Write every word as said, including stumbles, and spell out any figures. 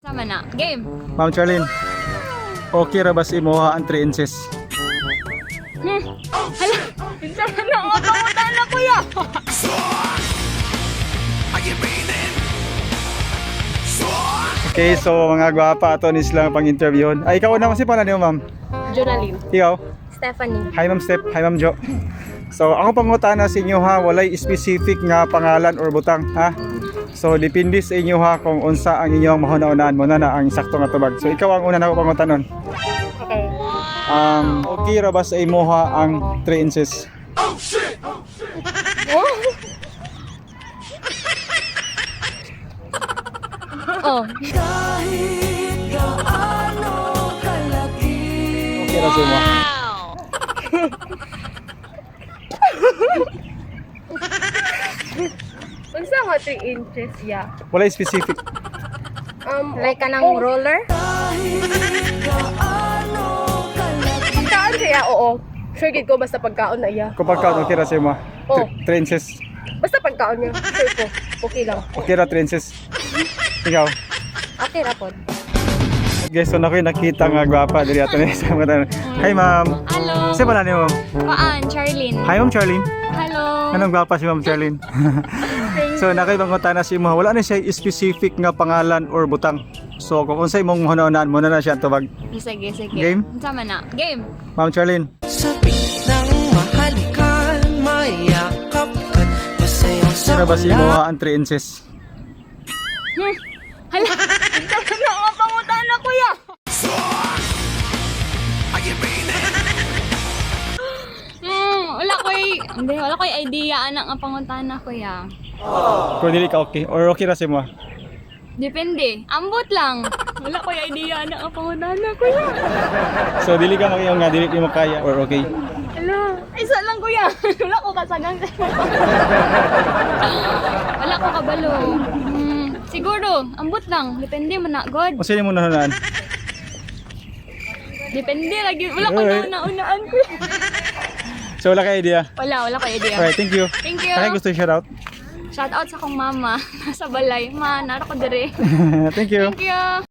Sama na. Game. Ma'am Charlene, okay ra ba si Moha ang three inches? Hmm. Hala, sama na ako. Pangutan na kuya. Okay, so mga gwapa, ato ni silang pang-interviewon. Ay, ikaw naman si pala niyo, ma'am. Jonalyn. Ikaw? Stephanie. Hi, ma'am Steph. Hi, ma'am Jo. So, ako pangutana sa inyo ha, walay specific nga pangalan or butang, ha? So, depende sa inyo ha kung unsa ang inyong mahuna-unaan mo na na ang sakto nga tubag. So, ikaw ang una na ako pangutanon. Okay. Um, okay ra ba sa imo ha ang three inches? Oh. Oh. Okay ra sa imo. Unsa nga three inches ya? Walay specific. Um, Like ka ng roller? pagkaon siya, oo. Sure gid ko basta pagkaon na iya. Kung pagkaon, okay ra sa imo. Oh. three inches. Basta pagkaon niya, sure ko. Okay lang. Okay ra three inches. Ikaw? Okay, rapod. Guys, so na ko yung nakita nga gwapa diri ato ni sa mga. Hi, ma'am. Hello. Sa pala niyo, ma'am? Paan, Charlene. Hi, ma'am Charlene. Hello. Anong gwapa si ma'am Charlene? So nakibangutana si mo, wala na siya specific nga pangalan or butang. So kung unsay mong hunahunaan mo na na siya tubag. Sige, sige. Game? Sama na. Game. Ma'am Charlene. Sabi ng mahalikan, mayakap ka't masayang sa Sino ba si ulan. mo ang three inches? Hmm. Hala, sama na ako. Pangutan na kuya. Hmm, wala ko y... Hindi, wala ko y idea anak ang pangutan na kuya. Kung dili ka okay or okay ra si mo? Depende. Ambot lang. Wala ko y idea anak ang pangutan na kuya. So dili ka makiyaw nga dili mo kaya or okay. Hala, isa lang kuya. Wala ko kasagang. Wala ko kabalo. Hmm, siguro, ambot lang. Depende man na, God. O sino mo nahunaan? Depende lagi. Wala ko Alright. na unaan kuya. So wala ka idea. Wala, wala ko idea. Alright, thank you. Thank you. Kaya gusto i-shout out. Shout out sa kong mama. Nasa balay. Ma, nara ko dire. Thank you. Thank you.